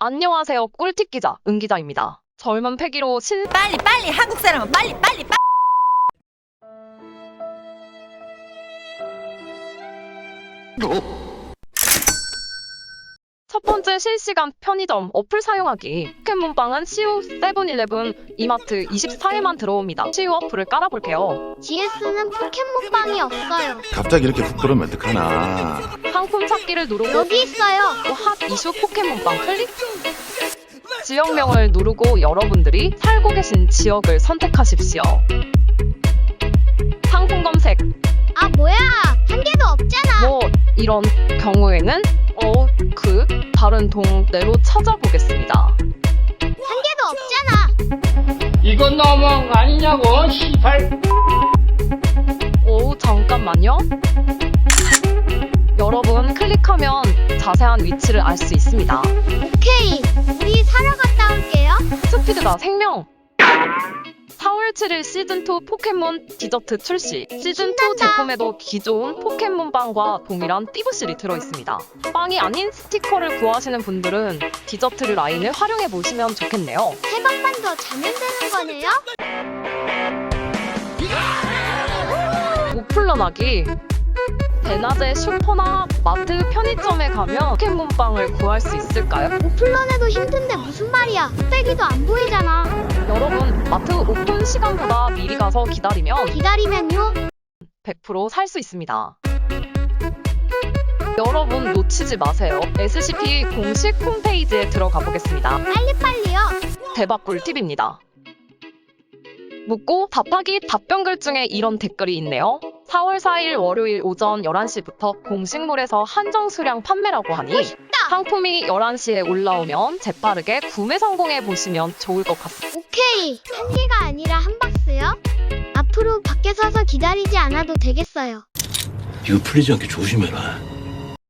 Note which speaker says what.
Speaker 1: 안녕하세요. 꿀팁 기자 은 기자입니다. 젊은 패기로
Speaker 2: 빨리 한국 사람은 빨리.
Speaker 1: 첫 번째 실시간 편의점 어플 사용하기. 포켓몬빵은 CU, 세븐일레븐, 이마트 24일만 들어옵니다. CU 어플을 깔아볼게요.
Speaker 3: GS는 포켓몬빵이 없어요.
Speaker 4: 갑자기 이렇게 훅 들어오면 어떡하나.
Speaker 1: 상품 찾기를 누르고
Speaker 3: 여기 있어요.
Speaker 1: 핫 이슈 포켓몬빵 클릭. 지역명을 누르고 여러분들이 살고 계신 지역을 선택하십시오. 상품 검색.
Speaker 3: 아 뭐야? 한 개도 없잖아.
Speaker 1: 뭐 이런 경우에는 다른 동네로 찾아보겠습니다.
Speaker 3: 한 개도 없잖아.
Speaker 5: 이건 너무한 거 아니냐고, 시발.
Speaker 1: 잠깐만요. 여러분 클릭하면 자세한 위치를 알 수 있습니다.
Speaker 3: 오케이. 우리 사러 갔다 올게요.
Speaker 1: 스피드가 생명. 4월 7일 시즌2 포켓몬 디저트 출시. 시즌2
Speaker 3: 신난다.
Speaker 1: 제품에도 기존 포켓몬 빵과 동일한 띠부실이 들어있습니다. 빵이 아닌 스티커를 구하시는 분들은 디저트 라인을 활용해 보시면 좋겠네요.
Speaker 3: 세 번만 더 자면 되는 거네요?
Speaker 1: 오플런하기. 대낮에 슈퍼나 마트 편의점에 가면 포켓몬 빵을 구할 수 있을까요?
Speaker 3: 오플런해도 힘든데 무슨 말이야. 뚝배기도 안 보이잖아.
Speaker 1: 여러분, 마트 오픈 시간보다 미리 가서 기다리면
Speaker 3: 기다리면요?
Speaker 1: 100% 살 수 있습니다. 여러분 놓치지 마세요. SCP 공식 홈페이지에 들어가 보겠습니다.
Speaker 3: 빨리빨리요.
Speaker 1: 대박 꿀팁입니다. 묻고 답하기 답변글 중에 이런 댓글이 있네요. 4월 4일 월요일 오전 11시부터 공식몰에서 한정 수량 판매라고 하니 상품이 11시에 올라오면 재빠르게 구매 성공해 보시면 좋을 것 같습니다.
Speaker 3: 오케이. 한 개가 아니라 한 박스요? 앞으로 밖에 서서 기다리지 않아도 되겠어요.
Speaker 6: 이거 풀리지 않게 조심해라.